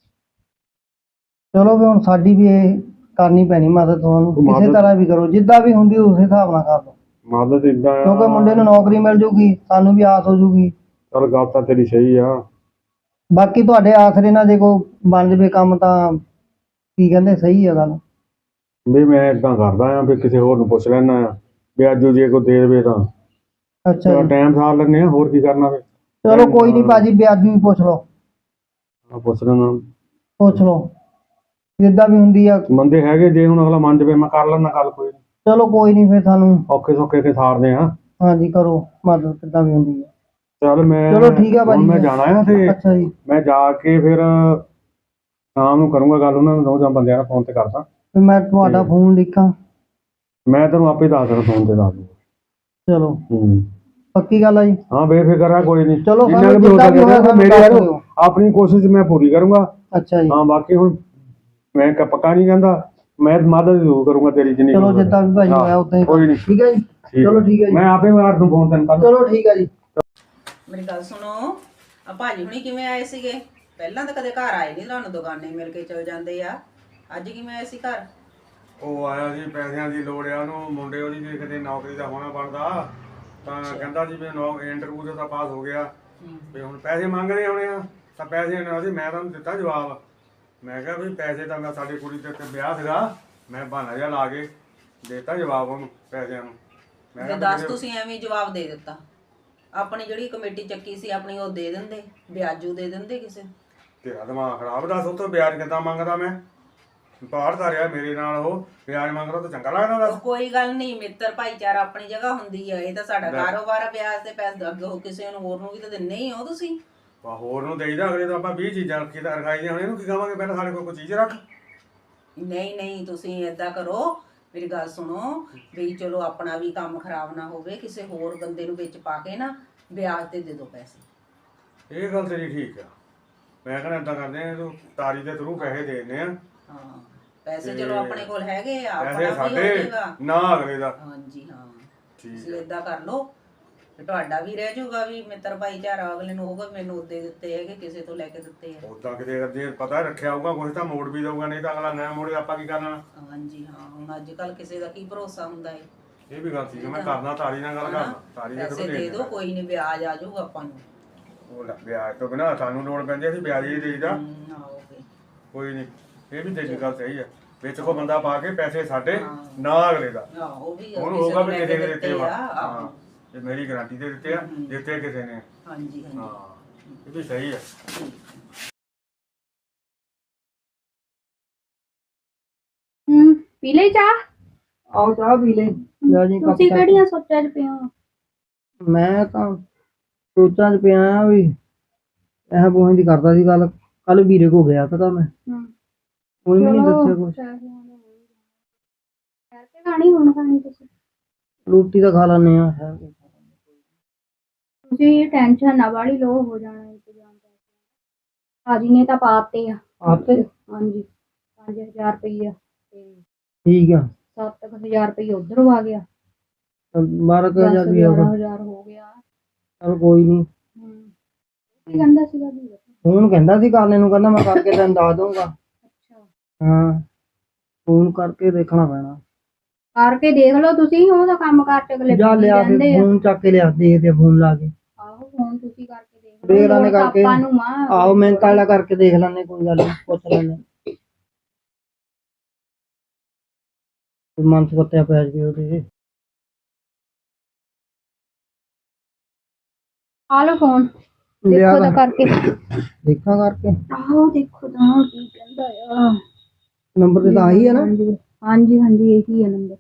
[SPEAKER 3] ਚਲੋ ਵੀ ਹੁਣ ਸਾਡੀ ਵੀ ਇਹ ਕਰਨੀ ਪੈਣੀ ਮਦਦ, ਤੁਹਾਨੂੰ ਕਿਸੇ ਤਰ੍ਹਾਂ ਵੀ ਕਰੋ, ਜਿੱਦਾਂ ਵੀ ਹੁੰਦੀ ਉਸੇ ਹਿਸਾਬ ਨਾਲ ਕਰ ਲਓ।
[SPEAKER 1] ਮਦਦ ਏਦਾਂ ਆ,
[SPEAKER 3] ਕਿਉਂਕਿ ਮੁੰਡੇ ਨੂੰ ਨੌਕਰੀ ਮਿਲ ਜੂਗੀ, ਸਾਨੂੰ ਵੀ ਆਸ ਹੋ ਜੂਗੀ।
[SPEAKER 1] ਚੱਲ ਗੱਲ ਤਾਂ ਤੇਰੀ ਸਹੀ ਆ।
[SPEAKER 3] ਬਾਕੀ ਤੁਹਾਡੇ ਆਸਰੇ ਨਾਲ ਜੇ ਕੋਈ ਬਣ ਜਵੇ ਕੰਮ ਤਾਂ ਕੀ ਕਹਿੰਦੇ ਸਹੀ ਆ ਗੱਲ?
[SPEAKER 1] ਵੀ ਮੈਂ ਇਦਾਂ ਕਰਦਾ ਆ ਵੀ ਕਿਸੇ ਹੋਰ ਨੂੰ ਪੁੱਛ ਲੈਣਾ ਆ ਵੀ ਅੱਜ ਜੇ ਕੋਈ ਦੇ ਦੇਵੇ ਤਾਂ
[SPEAKER 3] ਅੱਛਾ ਜੀ,
[SPEAKER 1] ਟਾਈਮ ਸਾਰ ਲੈਂਦੇ ਆ, ਹੋਰ ਕੀ ਕਰਨਾ ਫਿਰ।
[SPEAKER 3] ਚਲੋ ਕੋਈ ਨਹੀਂ ਭਾਜੀ, ਵਿਆਜੂ ਵੀ ਪੁੱਛ ਲਓ,
[SPEAKER 1] ਪੁੱਛ ਲੈਣਾ
[SPEAKER 3] ਪੁੱਛ ਲਓ ਜਿੱਦਾਂ ਵੀ ਹੁੰਦੀ ਆ।
[SPEAKER 1] ਬੰਦੇ ਹੈਗੇ, ਜੇ ਹੁਣ ਅਗਲਾ ਮੰਨ ਜਾਵੇ ਮੈਂ ਕਰ ਲੈਣਾ ਗੱਲ, ਕੋਈ ਨੀ।
[SPEAKER 3] ਚਲੋ ਕੋਈ ਨਹੀਂ, ਫਿਰ ਸਾਨੂੰ
[SPEAKER 1] ਔਖੇ ਸੌਖੇ ਕੇ ਸਾਰਦੇ ਆ।
[SPEAKER 3] ਹਾਂਜੀ ਕਰੋ ਮਦਦ ਜਿੱਦਾਂ ਵੀ ਹੁੰਦੀ ਆ।
[SPEAKER 1] ਚੱਲ ਮੈਂ
[SPEAKER 3] ਚਲੋ ਠੀਕ ਆ ਭਾਜੀ,
[SPEAKER 1] ਹੁਣ ਮੈਂ ਜਾਣਾ ਆ ਤੇ
[SPEAKER 3] ਅੱਛਾ ਜੀ,
[SPEAKER 1] ਮੈਂ ਜਾ ਕੇ ਫਿਰ ਸ਼ਾਮ ਨੂੰ ਕਰੂੰਗਾ ਗੱਲ ਉਹਨਾਂ ਨੂੰ, ਦੋ ਜਾਂ ਬੰਦਿਆਂ ਨਾਲ ਫੋਨ ਤੇ ਕਰਦਾ।
[SPEAKER 3] ਫਿਰ ਮੈਂ ਤੁਹਾਡਾ ਫੋਨ ਲਿਖਾਂ?
[SPEAKER 1] ਮੈਂ ਤੈਨੂੰ ਆਪੇ ਦੱਸ ਦੇਣਾ, ਫੋਨ ਤੇ ਦੱਸ ਦੂੰਗਾ।
[SPEAKER 3] ਚਲੋ
[SPEAKER 1] ਹੂੰ,
[SPEAKER 3] ਪੱਕੀ ਗੱਲ ਆ ਜੀ।
[SPEAKER 1] ਹਾਂ ਬੇਫਿਕਰ ਆ, ਕੋਈ ਨਹੀਂ।
[SPEAKER 3] ਚਲੋ
[SPEAKER 1] ਜਿੰਨਾ
[SPEAKER 3] ਸਾਨੂੰ
[SPEAKER 1] ਕੁ ਵੀ ਹੋ
[SPEAKER 3] ਜਿੱਦਾਂ ਵੀ ਹੋਇਆ
[SPEAKER 1] ਸਕਦਾ
[SPEAKER 3] ਸਾਨੂੰ
[SPEAKER 1] ਮੇਰੀ
[SPEAKER 3] ਦੱਸ
[SPEAKER 1] ਯਾਰ
[SPEAKER 3] ਦਿਓ।
[SPEAKER 1] ਆਪਣੀ ਕੋਸ਼ਿਸ਼ ਮੈਂ ਪੂਰੀ ਕਰੂੰਗਾ।
[SPEAKER 3] ਅੱਛਾ ਜੀ,
[SPEAKER 1] ਹਾਂ ਬਾਕੀ ਹੁਣ ਮੈਂ ਪੱਕਾ ਨਹੀਂ ਕਹਿੰਦਾ, ਮੈਂ ਮਦਦ ਜ਼ਰੂਰ ਕਰੂੰਗਾ ਤੇਰੀ ਜਿੰਨੀ
[SPEAKER 3] ਚਲੋ
[SPEAKER 1] ਕੁ ਹੋਵੇ।
[SPEAKER 3] ਜਿੱਦਾਂ ਵੀ ਭਾਜੀ ਹੋਇਆ ਉਦਾਂ ਹੀ
[SPEAKER 1] ਕੋਈ ਨਹੀਂ,
[SPEAKER 3] ਠੀਕ ਹੈ ਜੀ। ਚਲੋ ਠੀਕ ਹੈ ਜੀ,
[SPEAKER 1] ਮੈਂ ਆਪੇ ਮਾਰ ਦੂੰ ਫੋਨ ਤੈਨੂੰ ਕੱਲ।
[SPEAKER 3] ਚਲੋ ਠੀਕ ਹੈ ਜੀ।
[SPEAKER 4] ਮੇਰੀ ਗੱਲ ਸੁਣੋ, ਆ ਭਾਜੀ ਹੁਣੀ ਕਿਵੇਂ ਆਏ ਸੀਗੇ? ਪਹਿਲਾਂ ਤਾਂ ਕਦੇ ਘਰ ਆਏ ਨਹੀਂ, ਤੁਹਾਨੂੰ ਦੁਕਾਨੇ ਮਿਲ ਕੇ ਚਲ ਜਾਂਦੇ ਆ। ਅੱਜ ਕਿਵੇਂ ਆਏ ਸੀ ਘਰ?
[SPEAKER 1] ਉਹ ਆਇਆ ਸੀ, ਪੈਸਿਆਂ ਦੀ ਲੋੜ ਆ ਉਹਨੂੰ, ਮੁੰਡੇ ਉਹਦੀ ਜੇ ਕਿਤੇ ਨੌਕਰੀ ਦਾ ਹੋਣਾ ਬਣਦਾ ਤਾਂ ਕਹਿੰਦਾ ਜੀ ਵੀ ਇੰਟਰਵਿਊ ਤੇ ਤਾਂ ਪਾਸ ਹੋ ਗਿਆ, ਵੀ ਹੁਣ ਪੈਸੇ ਮੰਗਦੇ ਹੋਣੇ ਆ ਤਾਂ ਪੈਸੇ ਨੇ ਉਹਦੀ, ਮੈਂ ਤੁਹਾਨੂੰ ਦਿੱਤਾ ਜਵਾਬ। ਮੈਂ ਕਿਹਾ ਵੀ ਪੈਸੇ ਤਾਂ ਮੈਂ ਸਾਡੀ ਕੁੜੀ ਦੇ ਉੱਤੇ ਵਿਆਹ ਸੀਗਾ, ਮੈਂ ਬਹਾਨਾ ਜਿਹਾ ਲਾ ਕੇ ਦੇਤਾ ਜਵਾਬ ਉਹਨੂੰ ਪੈਸਿਆਂ ਨੂੰ। ਮੈਂ
[SPEAKER 4] ਤੇ
[SPEAKER 1] ਕਿਹਾ
[SPEAKER 4] ਦੱਸ ਤੁਸੀਂ ਐਵੇਂ ਹੀ ਜਵਾਬ ਦੇ ਦਿੱਤਾ। ਆਪਣੀ ਜਿਹੜੀ ਕਮੇਟੀ ਚੱਕੀ ਸੀ ਆਪਣੀ ਉਹ ਦੇ ਦਿੰਦੇ, ਵਿਆਜੂ ਦੇ ਦਿੰਦੇ ਕਿਸੇ।
[SPEAKER 1] ਤੇਰਾ ਦਿਮਾਗ ਖਰਾਬ, ਦੱਸ ਉੱਥੋਂ ਵਿਆਜ ਕਿੱਦਾਂ ਮੰਗਦਾ ਮੈਂ? ਬਾਹਰ ਤਾਂ ਰਿਹਾ ਮੇਰੇ ਨਾਲ, ਉਹ ਵਿਆਜ ਮੰਗਦਾ ਤਾਂ ਚੰਗਾ ਲੱਗਦਾ ਦੱਸ?
[SPEAKER 4] ਕੋਈ ਗੱਲ ਨਹੀਂ, ਮਿੱਤਰ ਭਾਈਚਾਰਾ ਆਪਣੀ ਜਗ੍ਹਾ ਹੁੰਦੀ ਆ, ਇਹ ਤਾਂ ਸਾਡਾ ਕਾਰੋਬਾਰ ਆ, ਵਿਆਜ ਤੇ ਪੈਸੇ ਅੱਗੇ ਹੋ ਕਿਸੇ ਨੂੰ ਹੋਰ ਨੂੰ ਵੀ ਤਾਂ ਦਿੰਨੇ ਹੀ ਹੋ ਤੁਸੀਂ।
[SPEAKER 1] ਹੋਰ ਨੂੰ ਦੇਈਦਾ, ਅਗਲੇ ਤਾਂ ਆਪਾਂ 20 ਚੀਜ਼ਾਂ ਰੱਖੀ ਤਾਂ ਰਖਾਈ ਦੀਆਂ, ਹੁਣ ਇਹਨੂੰ ਕੀ ਕਹਾਂਗੇ ਪਹਿਲਾਂ ਸਾਡੇ ਕੋਲ ਕੋਈ ਚੀਜ਼ ਰੱਖ।
[SPEAKER 4] ਨਹੀਂ ਨਹੀਂ, ਤੁਸੀਂ ਏਦਾਂ ਕਰੋ, ਮੇਰੀ ਗੱਲ ਸੁਣੋ, ਵੀ ਚਲੋ ਆਪਣਾ ਵੀ ਕੰਮ ਖਰਾਬ ਨਾ ਹੋਵੇ, ਕਿਸੇ ਹੋਰ ਬੰਦੇ ਨੂੰ ਵਿੱਚ ਪਾ ਕੇ ਨਾ ਵਿਆਜ ਤੇ ਦੇ ਦਿਓ ਪੈਸੇ।
[SPEAKER 1] ਇਹ ਗੱਲ ਤੇਰੀ ਠੀਕ ਆ, ਮੈਂ ਕਹਿੰਦਾ ਏਦਾਂ ਕਰਦੇ ਆ, ਤੂੰ ਤਾਰੀ ਦੇ ਥਰੂ ਪੈਸੇ ਦੇ ਦਿੰਦੇ ਆ।
[SPEAKER 4] ਹਾਂ, ਪੈਸੇ ਚਲੋ ਆਪਣੇ ਕੋਲ ਹੈਗੇ ਆ,
[SPEAKER 1] ਪੈਸੇ
[SPEAKER 4] ਆਪਣਾ ਵੀ ਹੋ
[SPEAKER 1] ਸਾਡੇ
[SPEAKER 4] ਜਾਏਗਾ।
[SPEAKER 1] ਨਾ ਅਗਲੇ ਦਾ।
[SPEAKER 4] ਹਾਂਜੀ ਹਾਂ,
[SPEAKER 1] ਠੀਕ
[SPEAKER 4] ਤੁਸੀਂ ਏਦਾਂ ਕਰ ਲਓ ਤੇ ਤੁਹਾਡਾ ਵੀ ਰਹਿ ਜਾਊਗਾ, ਵੀ ਮਿੱਤਰ ਭਾਈਚਾਰਾ ਅਗਲੇ ਨੂੰ ਹੋਊਗਾ ਮੈਨੂੰ ਉਹਦੇ ਦਿੱਤੇ ਹੈਗੇ, ਕਿਸੇ ਤੋਂ ਲੈ ਕੇ ਦਿੱਤੇ ਆ।
[SPEAKER 1] ਉਦਾਂ ਕਿਤੇ ਜੇ ਪਤਾ ਰੱਖਿਆ ਹੋਊਗਾ ਕੁਝ ਤਾਂ ਮੋੜ ਵੀ ਦਊਗਾ, ਨਹੀਂ ਤਾਂ ਅਗਲਾ ਨਾ ਮੋੜੇ ਆਪਾਂ ਕੀ ਕਰਨਾ।
[SPEAKER 4] ਹਾਂਜੀ ਹਾਂ, ਹੁਣ ਅੱਜ ਕੱਲ ਕਿਸੇ ਦਾ ਕੀ ਭਰੋਸਾ ਹੁੰਦਾ ਹੈ।
[SPEAKER 1] ਇਹ ਵੀ ਗੱਲ ਠੀਕ ਆ, ਮੈਂ ਕਰਨਾ ਤਾਰੀ ਨਾਲ ਗੱਲ ਕਰਨਾ, ਤਾਰੀ ਦੇ
[SPEAKER 4] ਪੈਸੇ
[SPEAKER 1] ਥਰੂ
[SPEAKER 4] ਦੇ ਦਿਓ, ਕੋਈ ਨਹੀਂ, ਵਿਆਜ ਆ ਜਾਊਗਾ ਆਪਾਂ ਨੂੰ।
[SPEAKER 1] ਉਹ ਲੈ, ਵਿਆਜ ਤੋਂ ਬਿਨਾਂ ਸਾਨੂੰ ਲੋੜ ਪੈਂਦੀ, ਅਸੀਂ ਵਿਆਜ ਹੀ ਦੇਈਦਾ।
[SPEAKER 4] ਆਓਗੇ,
[SPEAKER 1] ਕੋਈ ਨਹੀਂ, ਇਹ ਵੀ ਤੇਰੀ ਗੱਲ ਸਹੀ ਆ, ਵਿੱਚ ਕੋ ਬੰਦਾ ਪਾ ਕੇ ਪੈਸੇ ਸਾਡੇ ਨਾ ਅਗਲੇ ਦਾ।
[SPEAKER 4] ਉਹ ਵੀ
[SPEAKER 1] ਉਹਨੂੰ
[SPEAKER 4] ਕਿਸੇ
[SPEAKER 1] ਹੋਊਗਾ
[SPEAKER 4] ਨੂੰ
[SPEAKER 1] ਵੀ
[SPEAKER 4] ਲੈ
[SPEAKER 1] ਕਿਸੇ
[SPEAKER 4] ਕੇ
[SPEAKER 1] ਨੇ ਦਿੱਤੇ ਵਾ। ਹਾਂ,
[SPEAKER 4] ਆਹੋ।
[SPEAKER 1] ਇਹ ਮੇਰੀ ਗਾਰੰਟੀ ਦੇ ਦਿੱਤੇ ਆ, ਦਿੱਤੇ ਕਿਸੇ ਨੇ।
[SPEAKER 4] ਹਾਂਜੀ ਹਾਂਜੀ,
[SPEAKER 1] ਹਾਂ, ਇਹ ਵੀ ਸਹੀ ਆ।
[SPEAKER 2] ਪੀ ਲਈ ਚਾਹ?
[SPEAKER 3] ਆਓ ਚਾਹ ਪੀ ਲੈ ਲੈ ਜੀ ਕੱਪ
[SPEAKER 2] ਤੁਸੀਂ
[SPEAKER 3] ਚਾਹ।
[SPEAKER 2] ਕਿਹੜੀਆਂ ਸੋਚਾਂ 'ਚ ਪਏ ਹੋ?
[SPEAKER 3] ਮੈਂ ਤਾਂ ਸੋਚਾਂ 'ਚ ਪਿਆ ਆ ਵੀ ਇਹ ਬੋਹਾਂ ਦੀ ਕਰਦਾ ਸੀ ਗੱਲ, ਕੱਲ ਵੀਰੇ ਕੋ ਗਿਆ ਤਾਂ ਮੈਂ, ਉਹਨੇ ਵੀ ਨਹੀਂ ਦੱਸਿਆ ਕੁਛ।
[SPEAKER 2] ਕਰਕੇ ਖਾਣੀ ਹੁਣ ਖਾਣੀ ਤੁਸੀਂ?
[SPEAKER 3] ਰੋਟੀ ਤਾਂ ਖਾ ਲੈਂਦੇ ਆ।
[SPEAKER 2] ਤੁਸੀਂ ਟੈਨਸ਼ਨ ਨਾ ਵਾਲੀ ਲੋ, ਹੋ ਜਾਣਾ ਇੰਤਜ਼ਾਮ। ਹਾਜੀ ਨੇ ਤਾਂ ਪਾਤੇ ਆ।
[SPEAKER 3] ਆਪੇ
[SPEAKER 2] ਹਾਂਜੀ, 5000 ਰੁਪਈਆ ਤੇ
[SPEAKER 3] ਠੀਕ ਆ,
[SPEAKER 2] 7000 ਰੁਪਈਆ ਉਧਰ ਆ ਗਿਆ,
[SPEAKER 3] 12,000 ਵੀ ਹੋ ਗਿਆ।
[SPEAKER 2] 11,000 ਹੋ ਗਿਆ।
[SPEAKER 3] ਚਲ ਕੋਈ ਨਹੀਂ।
[SPEAKER 2] ਕੀ ਕਹਿੰਦਾ ਸੀਗਾ ਵੀ?
[SPEAKER 3] ਫੋਨ ਕਹਿੰਦਾ ਸੀ ਕਰਨੇ ਨੂੰ, ਕਹਿੰਦਾ ਮੈਂ ਕਰਕੇ ਤੈਨੂੰ ਦੱਸ ਦਊਂਗਾ।
[SPEAKER 2] ਅੱਛਾ,
[SPEAKER 3] ਹਾਂ, ਫੋਨ ਕਰਕੇ ਦੇਖਣਾ ਪੈਣਾ।
[SPEAKER 2] ਕਰਕੇ ਦੇਖ ਲਓ ਤੁਸੀਂ, ਉਹਦਾ ਕੰਮ ਕਾਰ ਚ ਅਗਲੇ
[SPEAKER 3] ਜਾ
[SPEAKER 2] busy
[SPEAKER 3] ਲਿਆ
[SPEAKER 2] ਰਹਿੰਦੇ
[SPEAKER 3] ਕੇ
[SPEAKER 2] ਆ।
[SPEAKER 3] ਫੋਨ ਚੱਕ ਕੇ ਲਿਆ, ਦੇਖਦੇ ਆ ਫੋਨ ਲਾ ਕੇ।
[SPEAKER 2] ਆਹੋ, ਫੋਨ ਤੁਸੀਂ ਕਰਕੇ ਦੇਖ
[SPEAKER 3] ਦੇਖ
[SPEAKER 2] ਲਓ,
[SPEAKER 3] ਲੈਣੇ
[SPEAKER 2] ਲੋੜ ਤਾਂ
[SPEAKER 3] ਕਰਕੇ।
[SPEAKER 2] ਆਪਾਂ ਨੂੰ ਆ।
[SPEAKER 3] ਆਹੋ ਮਿਹਨਤ ਵਾਲਾ ਕਰਕੇ ਦੇਖ ਲੈਂਦੇ, ਕੋਈ ਗੱਲ ਨਹੀਂ, ਪੁੱਛ ਲੈਂਦੇ। ਮਨ ਸੱਤਿਆ ਪੈ ਜਾਵੇ ਉਹਦੇ।
[SPEAKER 2] ਆ ਲਓ ਫੋਨ,
[SPEAKER 3] ਲਿਆ
[SPEAKER 2] ਦੇਖੋ ਤਾਂ ਕਰਕੇ।
[SPEAKER 3] ਦੇਖਾਂ ਕਰਕੇ।
[SPEAKER 2] ਆਹੋ ਦੇਖੋ ਤਾਂ ਕੀ ਕਹਿੰਦਾ ਆ।
[SPEAKER 3] ਨੰਬਰ ਤੇ ਤਾਂ ਆਹੀ ਹੈ ਨਾ?
[SPEAKER 2] ਹਾਂਜੀ ਹਾਂਜੀ, ਇਹੀ ਹੈ ਨੰਬਰ।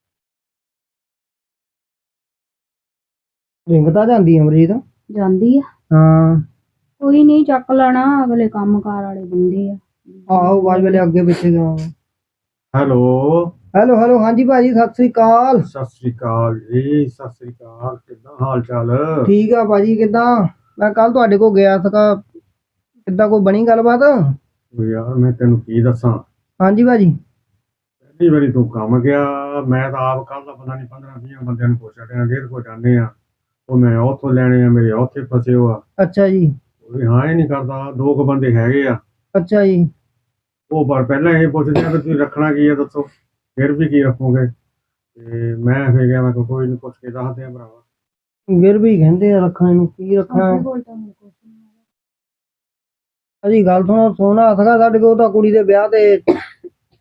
[SPEAKER 3] ਰਿੰਗ ਤਾਂ ਜਾਂਦੀ ਆ ਅਮਰੀਤ?
[SPEAKER 2] ਜਾਂਦੀ ਆ,
[SPEAKER 3] ਹਾਂ।
[SPEAKER 2] ਕੋਈ ਨਹੀਂ, ਚੱਕ ਲੈਣਾ, ਅਗਲੇ ਕੰਮ ਕਾਰ ਵਾਲੇ ਬੰਦੇ ਆ।
[SPEAKER 3] ਆਹੋ, ਆਵਾਜ਼ ਵੇਲੇ ਅੱਗੇ ਪਿੱਛੇ ਜਾਵਾਂਗੇ।
[SPEAKER 1] ਹੈਲੋ,
[SPEAKER 3] ਹੈਲੋ ਹੈਲੋ, ਹਾਂਜੀ ਭਾਜੀ ਸਤਿ ਸ੍ਰੀ ਅਕਾਲ।
[SPEAKER 1] ਸਤਿ ਸ੍ਰੀ ਅਕਾਲ ਜੀ, ਸਤਿ ਸ੍ਰੀ ਅਕਾਲ। ਕਿੱਦਾਂ ਹਾਲ ਚਾਲ?
[SPEAKER 3] ਠੀਕ ਆ ਭਾਜੀ, ਕਿੱਦਾਂ? ਮੈਂ ਕੱਲ ਤੁਹਾਡੇ ਕੋਲ ਗਿਆ ਸੀਗਾ, ਕਿੱਦਾਂ ਕੋਈ ਬਣੀ ਗੱਲਬਾਤ?
[SPEAKER 1] ਉਹ ਯਾਰ ਮੈਂ ਤੈਨੂੰ ਕੀ ਦੱਸਾਂ,
[SPEAKER 3] ਹਾਂਜੀ ਭਾਜੀ।
[SPEAKER 1] ਪਹਿਲੀ ਵਾਰੀ ਤੂੰ ਕੰਮ ਗਿਆ, ਮੈਂ ਤਾਂ ਆਪ ਕੱਲ ਦਾ ਪਤਾ ਨਹੀਂ 15-20 ਬੰਦਿਆਂ ਨੂੰ ਪੁੱਛ ਰਿਹਾ, ਜਿਹਦੇ ਕੋਲ ਜਾਂਦੇ ਆ ਉਹ ਮੈਂ ਉੱਥੋਂ ਲੈਣੇ ਆ, ਮੇਰੇ ਉੱਥੇ ਫਸੇ ਹੋ ਆ।
[SPEAKER 3] ਅੱਛਾ ਜੀ।
[SPEAKER 1] ਉਹ ਵੀ ਹਾਂ ਹੀ ਨਹੀਂ ਕਰਦਾ, ਦੋ ਕੁ ਬੰਦੇ ਹੈਗੇ ਆ,
[SPEAKER 3] ਅੱਛਾ ਜੀ।
[SPEAKER 1] ਉਹ ਪਰ ਪਹਿਲਾਂ ਇਹ ਪੁੱਛਦੇ ਆ ਵੀ ਤੁਸੀਂ ਰੱਖਣਾ ਕੀ ਆ ਦੱਸੋ, ਫਿਰ ਵੀ ਕੀ ਰੱਖੋਗੇ। ਤੇ ਮੈਂ ਫਿਰ ਗਿਆ, ਮੈਂ ਕਿਹਾ ਕੋਈ ਨਹੀਂ, ਪੁੱਛ ਕੇ ਦੱਸਦੇ ਆ ਭਰਾਵਾ।
[SPEAKER 3] ਗਿਰ ਵੀ ਕਹਿੰਦੇ ਆ ਰੱਖਣ ਨੂੰ, ਕੀ ਰੱਖਣਾ?
[SPEAKER 2] ਆਪਣੇ ਕੋਲ ਤਾਂ ਹੁਣ ਕੁਛ ਨੀ ਹੈਗਾ।
[SPEAKER 3] ਅਜੀ ਗੱਲ ਸੁਣੋ, ਸੋਨਾ ਸੀਗਾ ਸਾਡੇ ਕੋਲ, ਤਾਂ ਕੁੜੀ ਦੇ ਵਿਆਹ ਤੇ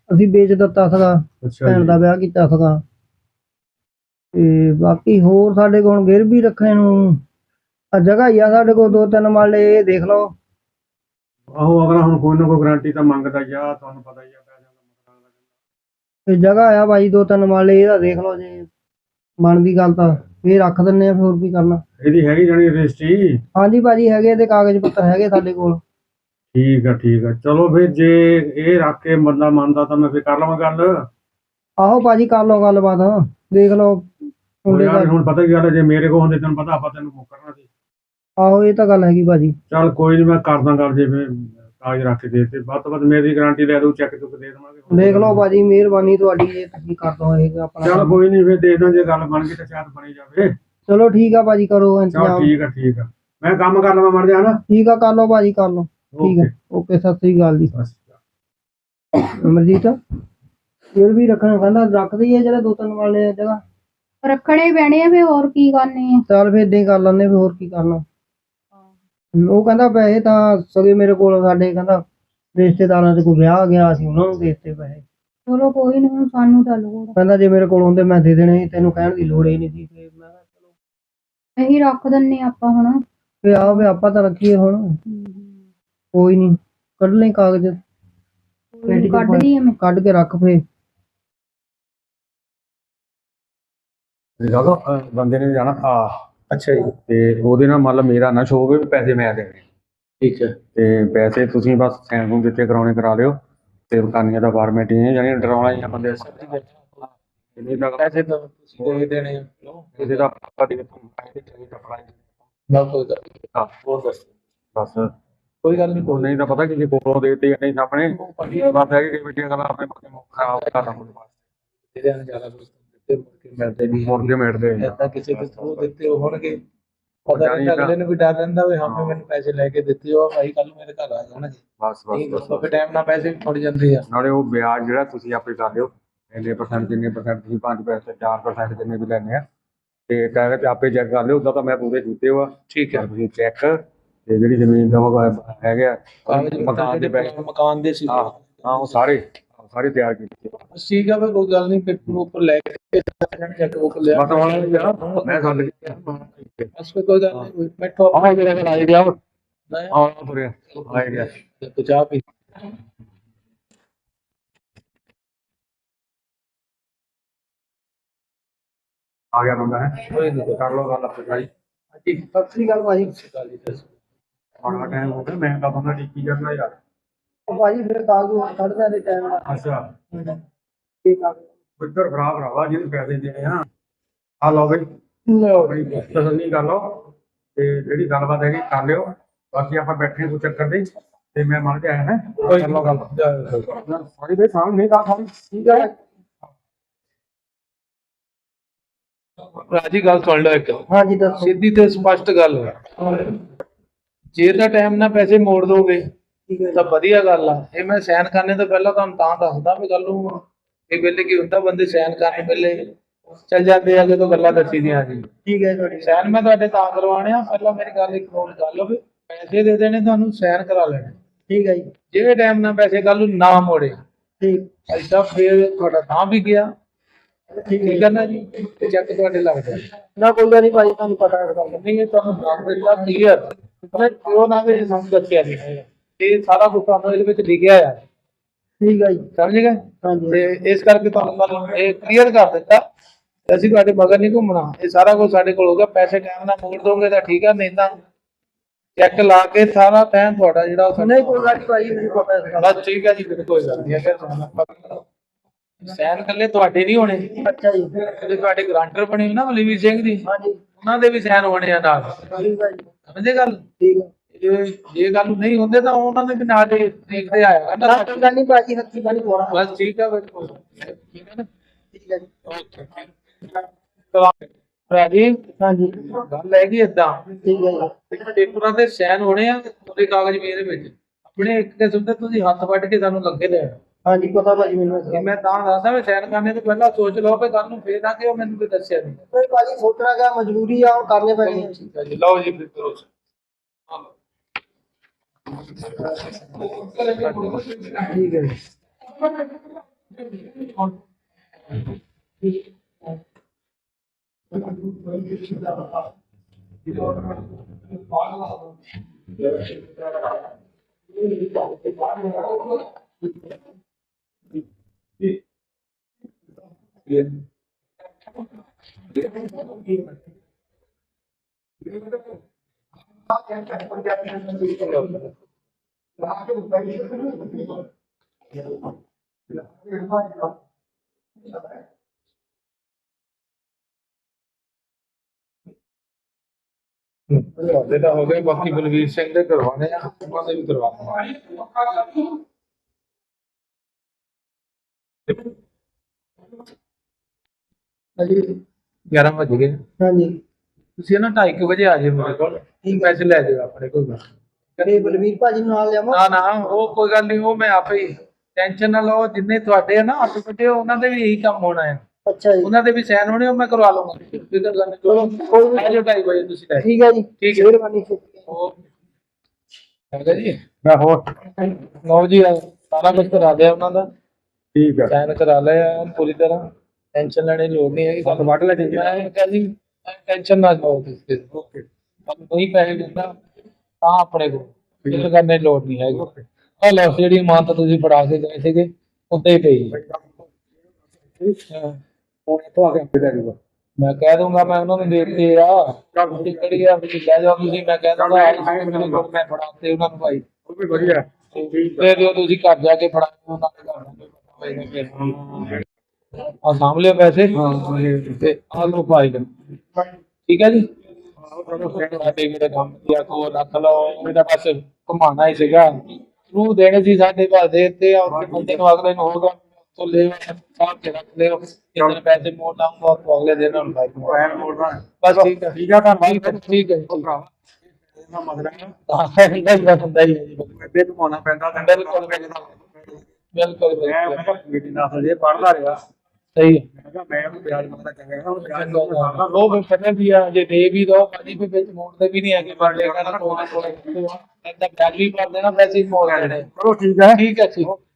[SPEAKER 3] ਅਸੀਂ ਵੇਚ ਦਿੱਤਾ ਸੀਗਾ,
[SPEAKER 1] ਅੱਛਾ
[SPEAKER 3] ਭੈਣ ਦਾ ਵਿਆਹ ਕੀਤਾ ਸੀਗਾ। ਤੇ ਬਾਕੀ ਹੋਰ ਸਾਡੇ ਕੋਲ ਗਿਰ ਵੀ ਰੱਖਣ ਨੂੰ ਆ ਜਗ੍ਹਾ ਹੀ ਆ ਸਾਡੇ ਕੋਲ 2-3 ਮਰਲੇ, ਇਹ ਦੇਖ ਲਓ।
[SPEAKER 1] ਆਹੋ ਅਗਲਾ ਹੁਣ ਕੋਈ ਨਾ ਕੋਈ ਗਾਰੰਟੀ ਤਾਂ ਮੰਗਦਾ ਹੀ ਆ, ਤੁਹਾਨੂੰ ਪਤਾ ਹੀ ਆ ਪੈਸਿਆਂ ਦਾ ਮਕਾਨ ਦਾ।
[SPEAKER 3] ਤੇ ਜਗ੍ਹਾ ਆ ਬਾਈ 2-3 ਮਰਲੇ, ਇਹਦਾ ਦੇਖ ਲਓ ਜੇ ਬਣਦੀ ਗੱਲ ਤਾਂ ਇਹ ਰੱਖ ਦਿੰਨੇ ਆ, ਫਿਰ ਹੋਰ ਕੀ ਕਰਨਾ।
[SPEAKER 1] ਇਹਦੀ ਹੈਗੀ ਜਾਣੀ ਰਜਿਸਟਰੀ?
[SPEAKER 3] ਹਾਂਜੀ ਭਾਜੀ ਹੈਗੇ, ਤੇ ਕਾਗਜ਼ ਪੱਤਰ ਹੈਗੇ ਸਾਡੇ ਕੋਲ।
[SPEAKER 1] ਠੀਕ ਆ ਠੀਕ ਆ, ਚਲੋ ਫਿਰ ਜੇ ਇਹ ਰੱਖ ਕੇ ਬੰਦਾ ਮੰਨਦਾ ਤਾਂ ਮੈਂ ਫਿਰ ਕਰ ਲਵਾਂ ਗੱਲ।
[SPEAKER 3] ਆਹੋ ਭਾਜੀ ਕਰ ਲਓ ਗੱਲਬਾਤ, ਦੇਖ ਲਓ
[SPEAKER 1] ਹੁਣ
[SPEAKER 3] ਮੁੰਡੇ
[SPEAKER 1] ਯਾਰ
[SPEAKER 3] ਦਾ।
[SPEAKER 1] ਹੁਣ ਪਤਾ ਕੀ ਗੱਲ ਹੈ, ਜੇ ਮੇਰੇ ਕੋਲ ਹੁੰਦੇ ਤੈਨੂੰ ਪਤਾ ਆਪਾਂ ਤੈਨੂੰ ਕਰਨਾ ਸੀ।
[SPEAKER 3] ਆਹੋ ਇਹ ਤਾਂ ਗੱਲ ਹੈਗੀ ਭਾਜੀ।
[SPEAKER 1] ਚੱਲ ਕੋਈ ਨਹੀਂ, ਮੈਂ ਕਰਦਾ ਗੱਲ, ਜੇ ਫਿਰ ਕਾਗਜ਼ ਰੱਖ ਕੇ ਦੇ ਤੇ ਵੱਧ ਤੋਂ ਵੱਧ ਮੇਰੀ ਗਾਰੰਟੀ ਲੈ ਦਊ, ਚੈੱਕ ਚੁੱਕ ਦੇ ਦੇਵਾਂਗੇ।
[SPEAKER 3] ਦੇਖ ਲਓ ਭਾਜੀ, ਮਿਹਰਬਾਨੀ ਤੁਹਾਡੀ, ਜੇ ਤੁਸੀਂ ਕਰ ਦੋ ਇਹ ਆਪਣਾ
[SPEAKER 1] ਚੱਲ
[SPEAKER 3] ਕੰਮ।
[SPEAKER 1] ਕੋਈ ਨਹੀਂ, ਫਿਰ ਦੇਖਦਾ ਜੇ ਗੱਲ ਬਣ ਗਈ ਤਾਂ ਸ਼ਾਇਦ ਬਣੀ ਜਾਵੇ।
[SPEAKER 3] ਚਲੋ ਠੀਕ ਆ ਭਾਜੀ, ਕਰੋ
[SPEAKER 1] ਚਲ
[SPEAKER 3] ਇੰਤਜ਼ਾਮ।
[SPEAKER 1] ਠੀਕ ਆ ਠੀਕ ਆ, ਮੈਂ ਕੰਮ ਕਰ ਲਵਾਂ ਮੜ ਜਾ ਨਾ।
[SPEAKER 3] ਠੀਕ ਆ, ਕਰ ਲਓ ਭਾਜੀ, ਕਰ ਲਓ। ਠੀਕ ਹੈ, ਓਕੇ, ਸਤਿ ਸ੍ਰੀ ਅਕਾਲ ਜੀ। ਅਮਰਜੀਤ ਇਹ ਵੀ ਰੱਖਣਾ ਕਹਿੰਦਾ, ਰੱਖਦੇ ਹੀ ਆ ਜਿਹੜੇ 2-3 ਵਾਲੇ ਜਗ੍ਹਾ।
[SPEAKER 2] ਰੱਖਣੇ ਹੀ ਪੈਣੇ ਆ, ਫੇ ਹੋਰ ਕੀ ਕਰਨੇ ਆ।
[SPEAKER 3] ਚੱਲ ਫਿਰ ਏਦਾਂ ਹੀ ਕਰ ਲੈਂਦੇ, ਫਿਰ ਹੋਰ ਕੀ ਕਰਨਾ। ਉਹ ਕਹਿੰਦਾ ਪੈਸੇ ਤਾਂ ਸਗੇ ਮੇਰੇ ਕੋਲ, ਸਾਡੇ ਕਹਿੰਦਾ ਰਿਸ਼ਤੇਦਾਰਾਂ ਦੇ ਕੋਈ ਵਿਆਹ ਗਿਆ ਸੀ, ਉਹਨਾਂ ਨੂੰ ਦੇ ਦਿੱਤੇ ਪੈਸੇ।
[SPEAKER 2] ਚਲੋ ਕੋਈ ਨੀ, ਹੁਣ ਸਾਨੂੰ ਤਾਂ ਲੋੜ ਆ।
[SPEAKER 3] ਕਹਿੰਦਾ ਜੇ ਮੇਰੇ ਕੋਲ ਹੁੰਦੇ ਮੈਂ ਦੇ ਦੇਣੇ ਸੀ, ਤੈਨੂੰ ਕਹਿਣ ਦੀ ਲੋੜ ਹੀ ਨਹੀਂ ਸੀ। ਫਿਰ ਮੈਂ ਕਿਹਾ ਚਲੋ
[SPEAKER 2] ਇਹੀ ਰੱਖ ਦਿੰਨੇ ਆਪਾਂ ਹੁਣ।
[SPEAKER 3] ਵੀ ਆਓ, ਵੀ ਆਪਾਂ ਤਾਂ ਰੱਖੀਏ ਹੁਣ। ਕੋਈ ਨਹੀਂ, ਕੱਢ ਲੈ ਕਾਗਜ਼, ਪੇਟੀ 'ਚ
[SPEAKER 2] ਕੱਢ ਲਈ ਮੈਂ।
[SPEAKER 3] ਕੱਢ ਕੇ ਰੱਖ ਫੇ।
[SPEAKER 1] ਦੇਖੋ ਬੰਦੇ ਨੇ ਜਾਣਾ ਆ।
[SPEAKER 5] ਅੱਛਾ ਜੀ,
[SPEAKER 1] ਤੇ ਉਹਦੇ ਨਾਲ ਮਤਲਬ ਮੇਰਾ ਨਾ ਸ਼ੋ ਹੋਵੇ ਵੀ ਪੈਸੇ ਮੈਂ ਦੇਣੇ।
[SPEAKER 5] ਠੀਕ ਹੈ।
[SPEAKER 1] ਤੇ ਪੈਸੇ ਤੁਸੀਂ ਬਸ ਸੈਨ ਨੂੰ ਦਿੱਤੇ ਕਰਾਉਣੇ ਕਰਾ ਲਿਓ, ਤੇ ਕਾਨੀਆਂ ਦਾ ਫਾਰਮੈਟ ਹੀ ਹੈ, ਯਾਨੀ ਡਰਾਉਣਾ ਹੀ ਆ ਬੰਦੇ। ਇਹਦੇ ਦਾ
[SPEAKER 5] ਪੈਸੇ ਤਾਂ ਤੁਸੀਂ ਦੇ ਦੇਣੇ ਆ।
[SPEAKER 1] ਇਹਦੇ ਦਾ ਆਪਾਂ ਦੇ ਪੈਸੇ ਚਾਹੀਦੇ ਟਪੜਾ
[SPEAKER 5] ਨਾ ਕੋਈ ਗੱਲ ਨਹੀਂ।
[SPEAKER 1] ਹਾਂ
[SPEAKER 5] ਹੋਰ ਦੱਸ।
[SPEAKER 1] ਬਸ
[SPEAKER 5] ਕੋਈ ਗੱਲ ਨਹੀਂ,
[SPEAKER 1] ਉਹ ਨਹੀਂ ਤਾਂ ਪਤਾ ਕਿ ਜੇ ਕੋਲੋਂ ਦੇਤੇ ਜਾਂ ਨਹੀਂ ਸਾਹਮਣੇ ਬਸ ਹੈ ਕਿ ਬੇਟੀਆਂ ਗੱਲਾਂ ਆਪਣੇ ਖਰਾਬ ਕਰਦਾ ਹੁਣ ਬਸ
[SPEAKER 5] ਜਿਹਦੇ ਨਾਲ ਜ਼ਿਆਦਾ ਕੁਝ ਦਿੱਤੇ ਮੁੜ ਕੇ ਮਿਲਦੇ ਨਹੀਂ।
[SPEAKER 1] ਮੁੜ ਕੇ ਮਿਟਦੇ
[SPEAKER 5] ਏਦਾਂ ਕਿਸੇ ਦੇ ਥਰੂ ਦਿੱਤੇ ਹੋਣਗੇ, ਪਤਾ ਨਹੀਂ ਅਗਲੇ ਨੂੰ ਵੀ ਡਰ ਰਹਿੰਦਾ ਵੀ ਹਾਂ ਮੈਨੂੰ ਪੈਸੇ ਲੈ ਕੇ ਦਿੱਤੇ ਹੋ ਭਾਈ, ਕੱਲ ਨੂੰ ਮੇਰੇ ਘਰ ਆ ਜਾਣਗੇ।
[SPEAKER 1] ਬਸ
[SPEAKER 5] ਨਹੀਂ
[SPEAKER 1] ਬਸ
[SPEAKER 5] ਦੱਸੋ, ਫਿਰ ਟਾਈਮ ਨਾਲ ਪੈਸੇ ਵੀ ਥੋੜੀ ਜਾਂਦੇ ਆ।
[SPEAKER 1] ਨਾਲੇ ਉਹ ਵਿਆਜ ਜਿਹੜਾ ਤੁਸੀਂ ਆਪੇ ਕਰ ਲਿਓ, ਇੰਨੇ % ਜਿੰਨੇ % ਤੁਸੀਂ 5% 4% ਜਿੰਨੇ ਵੀ ਲੈਣੇ ਆ, ਤੇ ਕਾਗਜ਼ ਆਪੇ ਚੈੱਕ ਕਰ ਲਿਓ। ਉਦਾਂ ਤਾਂ ਮੈਂ ਪੂਰੇ ਕੀਤੇ ਵਾ।
[SPEAKER 5] ਠੀਕ ਹੈ।
[SPEAKER 1] ਤੁਸੀਂ ਚੈੱਕ ਤੇ ਜਿਹੜੀ ਜ਼ਮੀਨ ਦਾ ਉਹ ਹੈਗਾ
[SPEAKER 5] ਕਾਗਜ਼
[SPEAKER 1] ਮਕਾਨ ਦੇ ਪੈਸੇ,
[SPEAKER 5] ਮਕਾਨ ਦੇ ਸੀ।
[SPEAKER 1] ਹਾਂ ਉਹ ਸਾਰੇ ਤਿਆਰ ਕੀਤੇ।
[SPEAKER 5] ਠੀਕ ਆ, ਫਿਰ ਕੋਈ ਗੱਲ ਨਹੀਂ, ਪੇਪਰ ਉੱਪਰ ਲੈ ਕੇ ਚੈੱਕ ਬੁੱਕ ਲਿਆ।
[SPEAKER 1] ਬਸ ਹੁਣ ਮੈਂ ਗੱਲ
[SPEAKER 5] ਬਸ ਫਿਰ ਕੋਈ ਗੱਲ ਨਹੀਂ, ਬੈਠੋ
[SPEAKER 1] ਆਹ ਜਿਹੜਾ ਕੋਲ ਆਈ ਗਿਆ
[SPEAKER 5] ਨਹੀਂ
[SPEAKER 1] ਆਹ ਤੁਰਿਆ ਆਈ ਗਿਆ।
[SPEAKER 5] ਤੇ ਚਾਹ ਪੀ।
[SPEAKER 1] ਆ ਗਿਆ ਬੰਦਾ ਹੈ,
[SPEAKER 5] ਕੋਈ ਨਹੀਂ,
[SPEAKER 1] ਕਰ ਲਓ ਗੱਲ ਆਪੇ ਭਾਈ।
[SPEAKER 5] ਹਾਂਜੀ,
[SPEAKER 3] ਸਤਿ ਸ੍ਰੀ ਅਕਾਲ ਭਾਜੀ।
[SPEAKER 5] ਗੱਲ ਹੀ ਦੱਸੋ।
[SPEAKER 1] ਬੜਾ ਟਾਈਮ ਹੋ ਗਿਆ, ਮੈਂ ਤਾਂ ਬੰਦਾ ਟਿੱਕੀ ਕਰਨਾ ਯਾਰ।
[SPEAKER 3] ਉਹ ਭਾਜੀ ਫਿਰ ਕਾਗਜ਼ ਕੱਢਦੇ ਦੇ ਟਾਈਮ ਨਾਲ।
[SPEAKER 1] ਅੱਛਾ
[SPEAKER 3] ਠੀਕ ਆ,
[SPEAKER 1] ਪੁੱਤਰ ਖਰਾਬ ਰਵਾ ਜਿਹਨੂੰ ਪੈਸੇ ਦੇਣੇ ਆ ਲਓ ਬਈ,
[SPEAKER 3] ਲਓ
[SPEAKER 1] ਬੜੀ ਤਸੱਲੀ ਕਰ ਲਓ, ਤੇ ਜਿਹੜੀ ਗੱਲਬਾਤ ਹੈਗੀ ਕਰ ਲਿਓ। ਬਾਕੀ ਆਪਾਂ ਬੈਠੇ ਕੋਈ ਚੱਕਰ ਨਹੀਂ, ਤੇ ਮੈਂ ਮੰਨ ਕੇ ਆਇਆ ਹੈ।
[SPEAKER 5] ਕੋਈ
[SPEAKER 1] ਕਰ ਲਓ ਗੱਲ।
[SPEAKER 5] ਨਹੀਂ।
[SPEAKER 1] ਸਾਰੀ ਬਈ ਸਾਹਮਣੇ ਗੱਲ ਸਾਰੀ
[SPEAKER 3] ਠੀਕ ਹੈ।
[SPEAKER 5] ਰਾਜੀ ਗੱਲ ਸੁਣ ਲਓ ਇੱਕ,
[SPEAKER 3] ਹਾਂਜੀ ਦੱਸੋ।
[SPEAKER 5] ਸਿੱਧੀ ਤੇ ਸਪਸ਼ਟ ਗੱਲ ਹੈ। ਜੇ ਤਾਂ ਟਾਈਮ ਨਾਲ ਪੈਸੇ ਮੋੜ ਦੋਗੇ
[SPEAKER 3] ਠੀਕ ਹੈ
[SPEAKER 5] ਤਾਂ ਵਧੀਆ ਗੱਲ ਆ। ਇਹ ਮੈਂ ਸਾਈਨ ਕਰਨੇ ਤੋਂ ਪਹਿਲਾਂ ਤੁਹਾਨੂੰ ਤਾਂ ਦੱਸਦਾ ਵੀ ਗੱਲ ਨੂੰ ਇਹ ਵੇਲੇ ਕੀ ਹੁੰਦਾ, ਬੰਦੇ ਸਾਈਨ ਕਰਨ ਵੇਲੇ ਚੱਲ ਜਾਂਦੇ ਆ ਜਦੋਂ ਗੱਲਾਂ ਦੱਸੀ ਦੀਆਂ ਜੀ।
[SPEAKER 3] ਠੀਕ ਹੈ ਤੁਹਾਡੀ।
[SPEAKER 5] ਸਾਈਨ ਮੈਂ ਤੁਹਾਡੇ ਤਾਂ ਕਰਵਾਉਣੇ ਆ, ਪਹਿਲਾਂ ਮੇਰੀ ਗੱਲ ਇੱਕ ਨੋਟ ਕਰ ਲਓ ਵੀ ਪੈਸੇ ਦੇ ਦੇਣੇ, ਤੁਹਾਨੂੰ ਸਾਈਨ ਕਰਾ ਲੈਣੇ।
[SPEAKER 3] ਠੀਕ ਹੈ ਜੀ।
[SPEAKER 5] ਜਿਹੜੇ ਟਾਈਮ ਨਾਲ ਪੈਸੇ ਕੱਲ ਨੂੰ ਨਾ ਮੋੜੇ
[SPEAKER 3] ਠੀਕ
[SPEAKER 5] ਐਦਾਂ ਫੇਰ ਤੁਹਾਡਾ ਤਾਂ ਵੀ ਗਿਆ।
[SPEAKER 3] ਠੀਕ
[SPEAKER 5] ਠੀਕ ਹੈ ਨਾ ਜੀ, ਤੇ ਚੈੱਕ ਤੁਹਾਡੇ ਲੱਗ ਜਾਣ।
[SPEAKER 3] ਨਾ ਕੋਈ ਗੱਲ ਨਹੀਂ ਭਾਜੀ, ਤੁਹਾਨੂੰ ਪਤਾ ਹੈ ਗੱਲ।
[SPEAKER 5] ਨਹੀਂ ਇਹ ਤੁਹਾਨੂੰ ਦੱਸ ਦਿੱਤਾ ਕਲੀਅਰ, ਮੈਂ ਕਿਉਂ ਨਾ ਵੀ ਸਾਨੂੰ ਦੱਸਿਆ ਨਹੀਂ ਹੈਗਾ। ਇਹ ਸਾਰਾ ਕੁਝ ਤੁਹਾਨੂੰ ਇਹਦੇ ਵਿੱਚ ਲਿਖਿਆ ਆ,
[SPEAKER 3] ਠੀਕ ਹੈ ਜੀ।
[SPEAKER 5] ਸਮਝ ਗਏ?
[SPEAKER 3] ਹਾਂਜੀ
[SPEAKER 5] ਤੇ ਇਸ ਕਰਕੇ ਤੁਹਾਨੂੰ ਗੱਲ ਇਹ ਕਲੀਅਰ ਕਰ ਦਿੱਤਾ, ਤੇ ਅਸੀਂ ਤੁਹਾਡੇ ਮਗਰ ਨਹੀਂ ਘੁੰਮਣਾ। ਇਹ ਸਾਰਾ ਕੁਝ ਸਾਡੇ ਕੋਲ ਹੋਊਗਾ। ਪੈਸੇ ਟਾਈਮ ਨਾਲ ਮੋੜ ਦੋਗੇ ਤਾਂ ਠੀਕ ਆ, ਨਹੀਂ ਤਾਂ ਚੈੱਕ ਲਾ ਕੇ ਸਾਰਾ ਟਾਈਮ ਤੁਹਾਡਾ ਜਿਹੜਾ ਉਹ
[SPEAKER 3] ਨਹੀਂ ਕੋਈ ਗੱਲ ਨਹੀਂ ਭਾਜੀ, ਮੈਨੂੰ ਪਤਾ ਹੈ ਇਸ ਗੱਲ ਦਾ।
[SPEAKER 5] ਬਸ ਠੀਕ ਹੈ ਜੀ, ਫਿਰ ਕੋਈ ਗੱਲ ਨਹੀਂ। ਅਗਰ ਸਾਈਨ ਇਕੱਲੇ ਤੁਹਾਡੇ ਨਹੀਂ ਹੋਣੇ,
[SPEAKER 3] ਅੱਛਾ ਜੀ।
[SPEAKER 5] ਜਿਹੜੇ ਤੁਹਾਡੇ ਗਰੰਟਰ ਬਣੇ ਹੋਏ ਨਾ ਬਲਵੀਰ ਸਿੰਘ ਦੀ,
[SPEAKER 3] ਹਾਂਜੀ
[SPEAKER 5] ਉਹਨਾਂ ਦੇ ਵੀ ਸਾਈਨ ਹੋਣੇ ਆ ਨਾਲ।
[SPEAKER 3] ਠੀਕ ਹੈ ਜੀ।
[SPEAKER 5] ਸਮਝੇ ਗੱਲ?
[SPEAKER 3] ਠੀਕ ਹੈ।
[SPEAKER 5] ਜੇ ਗੱਲ ਨਹੀਂ ਹੁੰਦੇ ਤਾਂ ਉਹਨਾਂ ਦੇ ਵੀ ਨਾਲ ਦੇਖਦੇ ਆਇਆ
[SPEAKER 3] ਨਾ ਕੋਈ ਗੱਲ ਨਹੀਂ ਭਾਜੀ, ਹੱਥੀ ਗੱਲ ਨਹੀਂ ਹੋਣਾ।
[SPEAKER 5] ਬਸ ਠੀਕ ਆ, ਫਿਰ ਕੋਈ ਠੀਕ ਹੈ ਨਾ।
[SPEAKER 3] ਠੀਕ ਹੈ ਜੀ।
[SPEAKER 5] ਓਕੇ ਰਾਜੀ,
[SPEAKER 3] ਹਾਂਜੀ
[SPEAKER 5] ਗੱਲ ਹੈਗੀ ਏਦਾਂ,
[SPEAKER 3] ਠੀਕ ਹੈ ਜੀ।
[SPEAKER 5] ਪੇਪਰਾਂ ਤੇ ਸਾਈਨ ਹੋਣੇ ਆ, ਉਹਦੇ ਕਾਗਜ਼ ਵੀ ਇਹਦੇ ਵਿੱਚ ਆਪਣੇ ਇੱਕ ਕਿਸਮ ਦੇ ਤੁਸੀਂ ਹੱਥ ਵੱਢ ਕੇ ਸਾਨੂੰ ਲੱਗੇ ਲੈਣ।
[SPEAKER 3] ਹਾਂਜੀ ਪਤਾ ਭਾਜੀ ਮੈਨੂੰ ਇਸ
[SPEAKER 5] ਕਿ
[SPEAKER 3] ਗੱਲ ਦਾ।
[SPEAKER 5] ਮੈਂ ਤਾਂ ਦੱਸਦਾ ਵੀ ਸਾਈਨ ਕਰਨੇ ਤੋਂ ਪਹਿਲਾਂ ਸੋਚ ਲਓ ਕਿ ਕੱਲ ਨੂੰ ਫੇਰ ਨਾ ਕਿ ਉਹ ਮੈਨੂੰ ਕੋਈ ਦੱਸਿਆ ਨਹੀਂ।
[SPEAKER 3] ਕੋਈ ਭਾਜੀ ਸੋਚਣਾ ਕਿ ਮਜਬੂਰੀ ਆ, ਹੁਣ ਕਰਨੇ ਪੈਣੇ ਆ।
[SPEAKER 5] ਠੀਕ ਹੈ ਜੀ, ਲਓ ਜੀ ਫਿਰ ਕਰੋ।
[SPEAKER 3] ਠੀਕ ਹੈ ਜੀ।
[SPEAKER 5] ਤੁਹਾਡੇ ਤਾਂ ਹੋ ਗਏ, ਬਾਕੀ ਬਲਵੀਰ ਸਿੰਘ ਦੇ ਕਰਵਾਉਣੇ ਆ, ਉਹਨਾਂ ਦੇ ਵੀ ਕਰਵਾਉਣੇ। 11 ਵਜ ਗਏ।
[SPEAKER 3] ਹਾਂਜੀ
[SPEAKER 5] ਤੁਸੀਂ ਨਾ 2:30 ਵਜੇ ਆ ਜਾਓ ਮੇਰੇ ਕੋਲ, ਪੈਸੇ ਲੈ ਜਾਓ ਆਪਣੇ ਕੋਲ।
[SPEAKER 3] ਤੇ ਬਲਵੀਰ ਭਾਜੀ ਨੂੰ ਨਾਲ ਲਿਆਵਾਂ?
[SPEAKER 5] ਨਾ ਨਾ, ਉਹ ਕੋਈ ਗੱਲ ਨਹੀਂ, ਉਹ ਮੈਂ ਆਪੇ ਹੀ, ਟੈਨਸ਼ਨ ਨਾ ਲਓ। ਜਿੰਨੇ ਤੁਹਾਡੇ ਆ ਨਾ ਹੱਥ ਵੱਡੇ, ਉਹਨਾਂ ਦੇ ਵੀ ਇਹੀ ਕੰਮ ਹੋਣਾ ਹੈ।
[SPEAKER 3] ਅੱਛਾ ਜੀ,
[SPEAKER 5] ਉਹਨਾਂ ਦੇ ਵੀ ਸਾਈਨ ਹੋਣੇ, ਉਹ ਮੈਂ ਕਰਵਾ ਲਵਾਂਗਾ। ਫਿਕਰ ਕਰਨੀ
[SPEAKER 3] ਚਲੋ ਕੋਈ ਨੀ।
[SPEAKER 5] ਆ ਜਾਓ 2:30 ਵਜੇ ਤੁਸੀਂ ਲੈ
[SPEAKER 3] ਠੀਕ ਹੈ ਜੀ,
[SPEAKER 5] ਠੀਕ ਹੈ।
[SPEAKER 3] ਮਿਹਰਬਾਨੀ।
[SPEAKER 5] ਹੈਗਾ ਜੀ।
[SPEAKER 1] ਮੈਂ ਹੋਰ
[SPEAKER 5] ਲਓ ਜੀ, ਸਾਰਾ ਕੁਝ ਕਰਾ ਦਿਆ ਉਹਨਾਂ ਦਾ,
[SPEAKER 1] ਠੀਕ ਹੈ।
[SPEAKER 5] ਸਾਈਨ ਕਰਾ ਲਿਆ ਪੂਰੀ ਤਰ੍ਹਾਂ, ਟੈਨਸ਼ਨ ਲੈਣ ਦੀ ਲੋੜ ਨਹੀਂ ਹੈਗੀ।
[SPEAKER 1] ਤੁਹਾਨੂੰ ਵੱਢ ਲੈ ਜੀ।
[SPEAKER 5] ਮੈਂ ਕਹਿੰਦੀ ਟੈਨਸ਼ਨ ਨਾ ਲਓ ਤੁਸੀਂ,
[SPEAKER 1] ਓਕੇ
[SPEAKER 5] ਤੁਹਾਨੂੰ ਕੋਈ ਪੈਸੇ ਦਿੰਦਾ ਤਾਂ ਆਪਣੇ ਕੋਲ, ਫਿਕਰ ਕਰਨ ਦੀ ਲੋੜ ਨਹੀਂ ਹੈਗੀ। ਆ ਲਓ, ਜਿਹੜੀ ਇਮਾਨਤ ਤੁਸੀਂ ਫੜਾ ਕੇ ਗਏ ਸੀਗੇ ਉੱਤੇ ਹੀ ਪਈ। ਹਾਂ,
[SPEAKER 1] ਹੁਣ ਇੱਥੋਂ ਆ ਕੇ ਆਪੇ ਲੈ ਜਾਊਗਾ।
[SPEAKER 5] ਮੈਂ ਕਹਿ ਦੂੰਗਾ, ਮੈਂ ਉਹਨਾਂ ਨੂੰ ਦੇਤੇ ਆ, ਤੁਸੀਂ ਕਿਹੜੀ ਆ ਤੁਸੀਂ ਲੈ ਜਾਓ। ਤੁਸੀਂ ਮੈਂ ਕਹਿ ਦੂੰਗਾ ਮੈਂ ਫੜਾਤੇ ਉਹਨਾਂ ਨੂੰ ਭਾਈ,
[SPEAKER 1] ਉਹ ਵੀ ਵਧੀਆ।
[SPEAKER 5] ਤੇ ਜੋ ਤੁਸੀਂ ਘਰ ਜਾ ਕੇ ਫੜਾਓ ਉਹਨਾਂ ਦੇ ਘਰ ਆ ਸਾਂਭ ਲਿਓ ਪੈਸੇ। ਤੇ ਆ ਲਓ ਭਾਈ, ਠੀਕ ਹੈ ਜੀ। ਸਾਡੇ ਮੇਰੇ ਕੰਮ ਦੀ ਕੋ ਰੱਖ ਲਓ, ਮੇਰਾ ਬਸ ਘੁਮਾਣਾ ਹੀ ਸੀਗਾ। ਤੂੰ ਦੇਣੇ ਸੀ ਸਾਡੇ ਭਾਅ ਦੇ ਤੇ ਬੰਦੇ ਨੂੰ ਅਗਲੇ ਨੂੰ ਹੋਗਾ तो ले साहब के रख ले, इतने पैसे मोड़ लाऊंगा तो अगले दिन हम भाई
[SPEAKER 1] ਪੈਨ ਮੋੜਨਾ ਹੈ।
[SPEAKER 5] बस ठीक है
[SPEAKER 1] ਠੀਕ ਆ, ਧੰਨਵਾਦ।
[SPEAKER 5] ठीक है
[SPEAKER 1] ਇਹਦਾ ਮਸਲਾ ਹੈ
[SPEAKER 5] नहीं
[SPEAKER 1] ਅੱਗੇ ਘੁਮਾਉਣਾ ਪੈਂਦਾ ਤਾਂ
[SPEAKER 5] बिल्कुल बिल्कुल
[SPEAKER 1] ਮੈਂ ਕਿਹਾ ਬੇਟੀ ਨਾਲ ਜੇ ਪੜਦਾ ਰਿਹਾ,
[SPEAKER 5] सही है।
[SPEAKER 1] ਮੈਂ ਕਿਹਾ ਮੈਂ ਉਹਨੂੰ ਵਿਆਜ ਮੰਗਦਾ ਚੰਗਾ, ਉਹ ਵਿਆਜ ਮੰਗਦਾ
[SPEAKER 5] वो भी पता भी है जे दे भी दो पानी पे बेच मोड़ते भी नहीं है कि बढ़ लेगा ना थोड़ा थोड़ा ऐसा ब्याज भी भर देना, वैसे ही मोड़ देने।
[SPEAKER 1] ਚਲੋ ਠੀਕ ਹੈ।
[SPEAKER 5] ठीक है ठीक